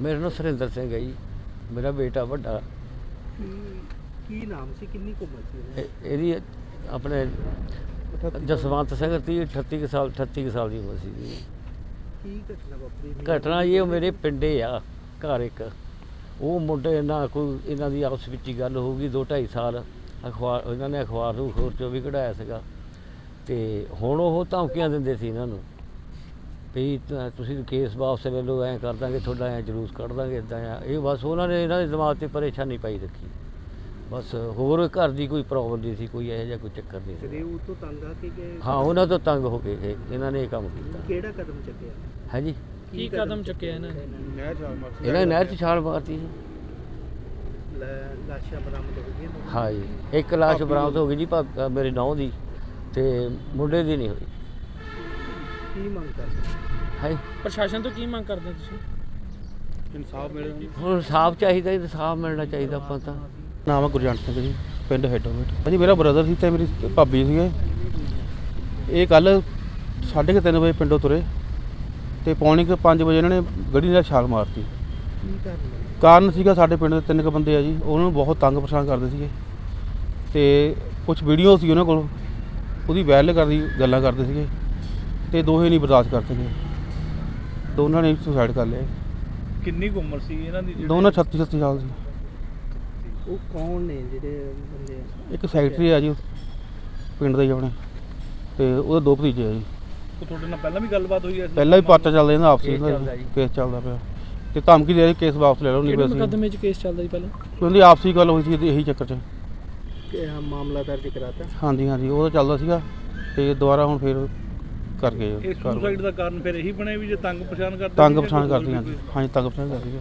मेरा नाम सुरिंदर सिंह है जी, मेरा बेटा ਵੱਡਾ। ਕੀ ਨਾਮ ਸੀ, ਕਿੰਨੀ ਕੁ ਉਮਰ ਸੀ ਉਹਦੀ? ਇਹਦੀ ਆਪਣੇ ਜਸਵੰਤ ਸਿੰਘ 38 ਕੁ ਸਾਲ 38 ਕੁ ਸਾਲ ਦੀ ਉਮਰ ਸੀ ਜੀ। ਕੀ ਘਟਨਾ ਵਾਪਰੀ? ਘਟਨਾ ਇਹ ਮੇਰੇ ਪਿੰਡੇ ਆ ਘਰ ਇੱਕ, ਉਹ ਮੁੰਡੇ ਨਾਲ ਕੋਈ ਇਹਨਾਂ ਦੀ ਆਪਸ ਵਿੱਚ ਹੀ ਗੱਲ ਹੋ ਗਈ 2-2.5 ਸਾਲ। ਅਖਬਾਰ ਇਹਨਾਂ ਨੇ ਅਖਬਾਰ ਨੂੰ ਖੋਰ 'ਚੋਂ ਵੀ ਕਢਾਇਆ ਸੀਗਾ, ਅਤੇ ਹੁਣ ਉਹ ਧਮਕੀਆਂ ਦਿੰਦੇ ਸੀ ਇਹਨਾਂ ਨੂੰ ਵੀ ਤੁਸੀਂ ਕੇਸ ਵਾਪਸ ਲੈ ਲਓ, ਐਂ ਕਰ ਦਾਂਗੇ ਤੁਹਾਡਾ, ਐਂ ਜਲੂਸ ਕੱਢ ਦਾਂਗੇ, ਇੱਦਾਂ ਆ। ਇਹ ਬਸ ਉਹਨਾਂ ਨੇ ਇਹਨਾਂ ਦੇ ਦਿਮਾਗ 'ਤੇ ਪਰੇਸ਼ਾਨੀ ਪਾਈ ਰੱਖੀ, ਬਸ ਹੋਰ ਘਰ ਦੀ ਕੋਈ ਪ੍ਰੋਬਲਮ ਨਹੀਂ ਸੀ, ਕੋਈ ਇਹੋ ਜਿਹਾ ਕੋਈ ਚੱਕਰ ਨਹੀਂ ਸੀ। ਉਹ ਤੋਂ ਤੰਗ ਆ ਕੇ ਗਏ? ਹਾਂ, ਉਹਨਾਂ ਤੋਂ ਤੰਗ ਹੋ ਕੇ ਇਹਨਾਂ ਨੇ ਇਹ ਕੰਮ ਕੀਤਾ। ਕਿਹੜਾ ਕਦਮ ਚੱਕਿਆ ਹੈ ਜੀ? ਕੀ ਕਦਮ ਚੱਕਿਆ ਇਹਨਾਂ ਨੇ? ਇਹਨਾਂ ਨੇ ਨਹਿਰ 'ਚ ਛਾਲ ਮਾਰਤੀ ਜੀ। ਲਾਸ਼ਾਂ ਬਰਾਮਦ ਹੋ ਗਈਆਂ? ਹਾਂ ਜੀ, ਇੱਕ ਲਾਸ਼ ਬਰਾਮਦ ਹੋ ਗਈ ਜੀ, ਮੇਰੇ ਨੌਂ ਦੀ, ਅਤੇ ਮੁੰਡੇ ਦੀ ਨਹੀਂ ਹੋਈ। ਕੀ ਮੰਗ ਕਰਦੇ ਹੈ? ਪ੍ਰਸ਼ਾਸਨ ਤੋਂ ਕੀ ਮੰਗ ਕਰਦੇ ਤੁਸੀਂ? ਇਨਸਾਫ ਮਿਲੇ। ਹੁਣ ਇਨਸਾਫ ਚਾਹੀਦਾ, ਇਨਸਾਫ ਮਿਲਣਾ ਚਾਹੀਦਾ ਆਪਾਂ ਤਾਂ। ਨਾਮ ਹੈ ਗੁਰਜੰਟ ਸਿੰਘ ਜੀ, ਪਿੰਡ ਹੈਡੋਮੇਟ। ਭਾਜੀ ਮੇਰਾ ਬ੍ਰਦਰ ਸੀ ਅਤੇ ਮੇਰੀ ਭਾਬੀ ਸੀਗੇ। ਇਹ ਕੱਲ੍ਹ 3:30 ਵਜੇ ਪਿੰਡੋਂ ਤੁਰੇ ਅਤੇ ਪੌਣੇ 5 ਵਜੇ ਇਹਨਾਂ ਨੇ ਗੱਡੀ ਨਾਲ ਛਾਲ ਮਾਰਤੀ। ਕੀ ਕਾਰਨ ਸੀਗਾ, ਸਾਡੇ ਪਿੰਡ ਦੇ 3 ਕੁ ਬੰਦੇ ਆ ਜੀ, ਉਹਨਾਂ ਨੂੰ ਬਹੁਤ ਤੰਗ ਪਰੇਸ਼ਾਨ ਕਰਦੇ ਸੀਗੇ ਅਤੇ ਕੁਛ ਵੀਡੀਓ ਸੀ ਉਹਨਾਂ ਕੋਲ, ਉਹਦੀ ਵਾਇਰਲ ਕਰਦੀ ਗੱਲਾਂ ਕਰਦੇ ਸੀਗੇ ਅਤੇ ਦੋਹੇ ਨਹੀਂ ਬਰਦਾਸ਼ਤ ਕਰਦੇ ਸੀਗੇ, ਦੋਨਾਂ ਨੇ ਸੁਸਾਈਡ ਕਰ ਲਿਆ। ਕਿੰਨੀ ਕੁ ਉਮਰ ਸੀ ਇਹਨਾਂ ਦੀ? ਦੋਨਾਂ 36 ਸਾਲ ਸੀ। ਉਹ ਕੌਣ ਨੇ ਜਿਹੜੇ ਬੰਦੇ? ਇੱਕ ਸੈਕਟਰੀ ਆ ਜੀ ਪਿੰਡ ਦਾ ਹੀ ਆਪਣੇ, ਅਤੇ ਉਹਦੇ 2 ਭਤੀਜੇ ਆ ਜੀ। ਉਹ ਤੁਹਾਡੇ ਨਾਲ ਪਹਿਲਾਂ ਵੀ ਗੱਲਬਾਤ ਹੋਈ ਹੈ? ਪਹਿਲਾਂ ਵੀ ਪਾਰਟਾ ਚੱਲਦਾ ਇਹਨਾਂ ਆਪਸੀ ਕੇਸ ਚੱਲਦਾ ਪਿਆ, ਅਤੇ ਧਮਕੀ ਦੇ ਕੇਸ ਵਾਪਸ ਲੈ ਲਓ, ਨਹੀਂ ਕਿਹੜੇ ਮੁਕੱਦਮੇ 'ਚ ਕੇਸ ਚੱਲਦਾ ਜੀ ਪਹਿਲਾਂ? ਉਹਦੀ ਆਪਸੀ ਗੱਲ ਹੋਈ ਸੀ ਇਹੀ ਚੱਕਰ 'ਚ। ਮਾਮਲਾ ਦਰਜ ਕਰਾਤਾ? ਹਾਂਜੀ ਹਾਂਜੀ, ਉਹ ਤਾਂ ਚੱਲਦਾ ਸੀਗਾ ਅਤੇ ਦੁਬਾਰਾ ਹੁਣ ਫਿਰ ਕਰ ਗਏ। ਇਹ ਸੁਸਾਈਡ ਦਾ ਕਾਰਨ ਫਿਰ ਇਹੀ ਬਣਿਆ ਵੀ ਜੇ ਤੰਗ ਪਛਾਣ ਕਰਦੇ? ਤੰਗ ਪਛਾਣ ਕਰਦੀ, ਹਾਂਜੀ ਹਾਂਜੀ, ਤੰਗ ਪਛਾਣ ਕਰਦੀ।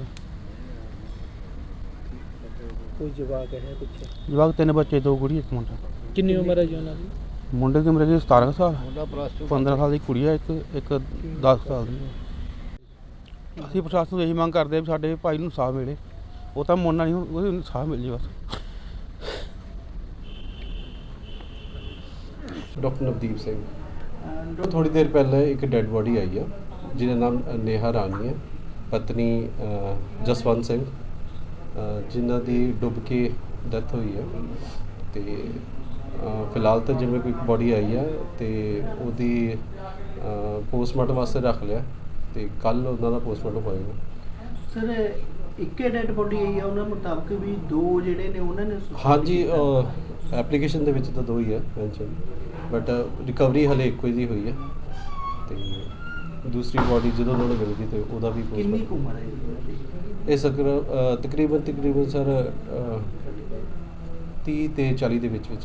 ਕੋਈ ਜਵਾਕ ਹੈ ਪਿੱਛੇ? ਜਵਾਕ 3 ਬੱਚੇ, 2 ਕੁੜੀ, 1 ਮੁੰਡਾ। ਕਿੰਨੀ ਉਮਰ ਹੈ ਜੀ ਉਹਨਾਂ ਦੀ? ਮੁੰਡੇ ਦੀ ਉਮਰ ਹੈਗੀ 17 ਸਾਲ, ਮੁੰਡਾ ਪਲੱਸ 2 15 ਸਾਲ ਦੀ ਕੁੜੀ ਹੈ, ਇੱਕ 10 ਸਾਲ ਦੀ ਹੈ। ਅਸੀਂ ਪ੍ਰਸ਼ਾਸਨ ਤੋਂ ਇਹੀ ਮੰਗ ਕਰਦੇ ਹਾਂ ਵੀ ਸਾਡੇ ਭਾਈ ਨੂੰ ਇਨਸਾਫ ਮਿਲੇ, ਉਹ ਤਾਂ ਮੋਨਾ ਨਹੀਂ, ਉਹਨੂੰ ਇਨਸਾਫ ਮਿਲ ਜੇ ਬਸ। ਡਾਕਟਰ ਨਵਦੀਪ ਸਿੰਘ। ਥੋੜ੍ਹੀ ਦੇਰ ਪਹਿਲਾਂ ਇੱਕ ਡੈੱਡ ਬੋਡੀ ਆਈ ਆ ਜਿਹਦਾ ਨਾਮ ਨੇਹਾ ਰਾਣੀ ਹੈ, ਪਤਨੀ ਜਸਵੰਤ ਸਿੰਘ, ਜਿਨ੍ਹਾਂ ਦੀ ਡੁੱਬ ਕੇ ਡੈਥ ਹੋਈ ਹੈ। ਅਤੇ ਫਿਲਹਾਲ ਤਾਂ ਜਿਵੇਂ ਕੋਈ ਬੋਡੀ ਆਈ ਆ ਅਤੇ ਉਹਦੀ ਪੋਸਟਮਾਰਟਮ ਵਾਸਤੇ ਰੱਖ ਲਿਆ, ਅਤੇ ਕੱਲ੍ਹ ਉਹਨਾਂ ਦਾ ਪੋਸਟਮਾਰਟਮ ਹੋਏਗਾ। ਸਰ, ਇੱਕੇ ਡੈਡ ਬੋਡੀ ਆਈ ਆ ਉਹਨਾਂ ਮੁਤਾਬਕ ਵੀ 2 ਜਿਹੜੇ ਨੇ ਉਹਨਾਂ ਨੇ? ਹਾਂਜੀ, ਐਪਲੀਕੇਸ਼ਨ ਦੇ ਵਿੱਚ ਤਾਂ 2 ਹੀ ਹੈ ਮੈਂਸ਼ਨ, ਬਟ ਰਿਕਵਰੀ ਹਲੇ ਇੱਕੋ ਦੀ ਹੋਈ ਹੈ, ਅਤੇ ਦੂਸਰੀ ਬੋਡੀ ਜਦੋਂ ਉਹਨਾਂ ਨੂੰ ਮਿਲ ਗਈ ਅਤੇ ਉਹਦਾ ਵੀ ਕਿੰਨੀ ਕੁ ਉਮਰ ਹੈ ਇਹ ਤਕਰੀਬਨ ਸਰ 30 ਤੇ 40 ਦੇ ਵਿੱਚ।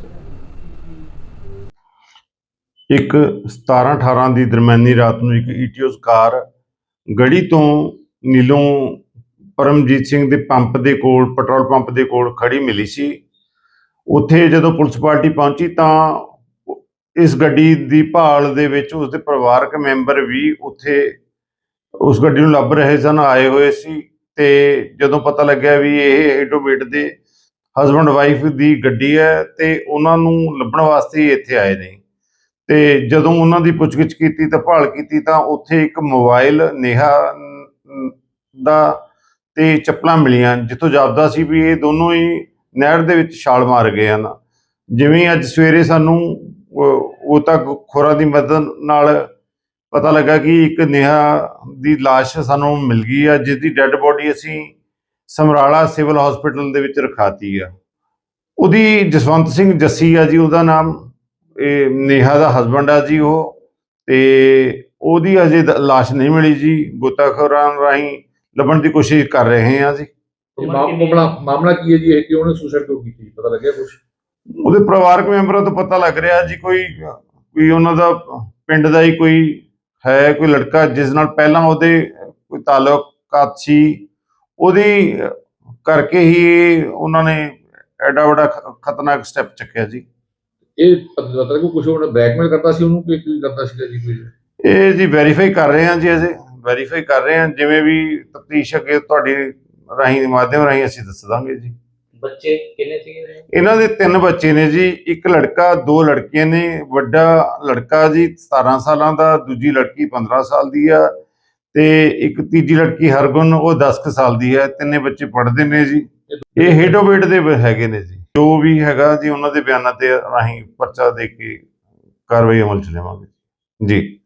ਇੱਕ 17-18 ਦੀ ਦਰਮਿਆਨੀ ਰਾਤ ਨੂੰ ਇੱਕ ਈਟੀਓਸ ਕਾਰ ਗੜੀ ਤੋਂ ਨੀਲੋਂ ਪਰਮਜੀਤ ਸਿੰਘ ਦੇ ਪੰਪ ਦੇ ਕੋਲ, ਪੈਟਰੋਲ ਪੰਪ ਦੇ ਕੋਲ ਖੜੀ ਮਿਲੀ ਸੀ। ਉੱਥੇ ਜਦੋਂ ਪੁਲਿਸ ਪਾਰਟੀ ਪਹੁੰਚੀ ਤਾਂ ਇਸ ਗੱਡੀ ਦੀ ਭਾਲ ਦੇ ਵਿੱਚ ਉਸਦੇ ਪਰਿਵਾਰਕ ਮੈਂਬਰ ਵੀ ਉੱਥੇ ਉਸ ਗੱਡੀ ਨੂੰ ਲੱਭ ਰਹੇ ਸਨ, ਆਏ ਹੋਏ ਸੀ। ਅਤੇ ਜਦੋਂ ਪਤਾ ਲੱਗਿਆ ਵੀ ਇਹ ਹੈਡੋਮੇਟ ਦੇ ਹਸਬੈਂਡ ਵਾਈਫ ਦੀ ਗੱਡੀ ਹੈ ਅਤੇ ਉਹਨਾਂ ਨੂੰ ਲੱਭਣ ਵਾਸਤੇ ਹੀ ਇੱਥੇ ਆਏ ਨੇ। ਅਤੇ ਜਦੋਂ ਉਹਨਾਂ ਦੀ ਪੁੱਛਗਿੱਛ ਕੀਤੀ ਤਾਂ ਭਾਲ ਕੀਤੀ ਤਾਂ ਉੱਥੇ ਇੱਕ ਮੋਬਾਈਲ ਨੇਹਾ ਦਾ ਅਤੇ ਚੱਪਲਾਂ ਮਿਲੀਆਂ, ਜਿੱਥੋਂ ਜਾਪਦਾ ਸੀ ਵੀ ਇਹ ਦੋਨੋਂ ਹੀ ਨਹਿਰ ਦੇ ਵਿੱਚ ਛਾਲ ਮਾਰ ਗਏ ਹਨ। ਜਿਵੇਂ ਅੱਜ ਸਵੇਰੇ ਸਾਨੂੰ ਉਹ ਤਾਂ ਖੋਰਾਂ ਦੀ ਮਦਦ ਨਾਲ ਪਤਾ ਲੱਗਾ ਕਿ ਇੱਕ ਨੇਹਾ ਦੀ ਲਾਸ਼ ਸਾਨੂੰ ਮਿਲ ਗਈ ਆ, ਜਿਸ ਦੀ ਡੈੱਡ ਬੋਡੀ ਅਸੀਂ ਸਮਰਾਲਾ ਸਿਵਲ ਹਸਪੀਟਲ ਦੇ ਵਿੱਚ ਰਖਾਤੀ ਆ। ਉਹਦੀ ਜਸਵੰਤ ਸਿੰਘ ਜੱਸੀ ਆ ਜੀ ਉਹਦਾ ਨਾਮ, ਇਹ ਨੇਹਾ ਦਾ ਹਸਬੈਂਡ ਆ ਜੀ ਉਹ, ਅਤੇ ਉਹਦੀ ਅਜੇ ਲਾਸ਼ ਨਹੀਂ ਮਿਲੀ ਜੀ। ਗੋਤਾਖੋਰਾਂ ਰਾਹੀਂ ਲੱਭਣ ਦੀ ਕੋਸ਼ਿਸ਼ ਕਰ ਰਹੇ ਹਾਂ ਜੀ। ਮਾਮਲਾ ਕੀ ਹੈ ਜੀ, ਇਹ ਕਿ ਉਹਨੇ ਸੁਸਾਈਡ ਕਿਉਂ ਕੀਤੀ, ਪਤਾ ਲੱਗਿਆ ਕੁਛ? ਉਹਦੇ ਪਰਿਵਾਰਕ ਮੈਂਬਰਾਂ ਤੋਂ ਪਤਾ ਲੱਗ ਰਿਹਾ ਜੀ ਕੋਈ ਉਹਨਾਂ ਦਾ ਪਿੰਡ ਦਾ ਹੀ ਕੋਈ ਹੈ, ਕੋਈ ਲੜਕਾ ਜਿਸ ਨਾਲ ਪਹਿਲਾਂ ਉਹਦੇ ਕੋਈ ਤਾਲੁਕਾਤ ਸੀ, ਉਹਦੀ ਕਰਕੇ ਹੀ ਉਹਨਾਂ ਨੇ ਐਡਾ ਵੱਡਾ ਖਤਰਨਾਕ ਸਟੈਪ ਚੱਕਿਆ ਜੀ। ਇਹ ਪਤਾ ਲੱਗਾ ਕੁਛ ਉਹਨੇ ਬਲੈਕਮੇਲ ਕਰਦਾ ਸੀ ਉਹਨੂੰ, ਕੀ ਕਰਦਾ ਸੀਗਾ ਜੀ ਕੋਈ? ਇਹ ਜੀ ਵੈਰੀਫਾਈ ਕਰ ਰਹੇ ਹਾਂ ਜੀ, ਅਜੇ ਵੈਰੀਫਾਈ ਕਰ ਰਹੇ ਹਾਂ। ਜਿਵੇਂ ਵੀ ਤਫਤੀਸ਼ ਅੱਗੇ ਤੁਹਾਡੀ ਰਾਹੀਂ ਮਾਧਿਅਮ ਰਾਹੀਂ ਅਸੀਂ ਦੱਸ ਦਾਂਗੇ ਜੀ। ਬੱਚੇ ਕਿੰਨੇ ਸੀਗੇ? ਇਹਨਾਂ ਦੇ 3 ਬੱਚੇ ਨੇ ਜੀ, ਇੱਕ ਲੜਕਾ 2 ਲੜਕੀਆਂ ਨੇ। ਵੱਡਾ ਲੜਕਾ ਜੀ 17 ਸਾਲਾਂ ਦਾ, ਦੂਜੀ ਲੜਕੀ 15 ਸਾਲ ਦੀ ਆ, ਤੇ ਇੱਕ ਤੀਜੀ ਲੜਕੀ ਹਰਗੁਣ, ਉਹ 10 ਕੁ ਸਾਲ ਦੀ ਹੈ। ਤਿੰਨੇ ਬੱਚੇ ਪੜ੍ਹਦੇ ਨੇ ਜੀ। ਇਹ ਹੇਡੋਵੇਟ ਦੇ ਹੈਗੇ ਨੇ ਜੀ। ਜੋ ਵੀ ਹੈਗਾ ਜੀ ਉਹਨਾਂ ਦੇ ਬਿਆਨਾਂ ਤੇ ਰਾਹੀਂ ਪਰਚਾ ਦੇ ਕੇ ਕਾਰਵਾਈ ਅਮਲ ਚ ਲਿਆਵਾਂਗੇ ਜੀ।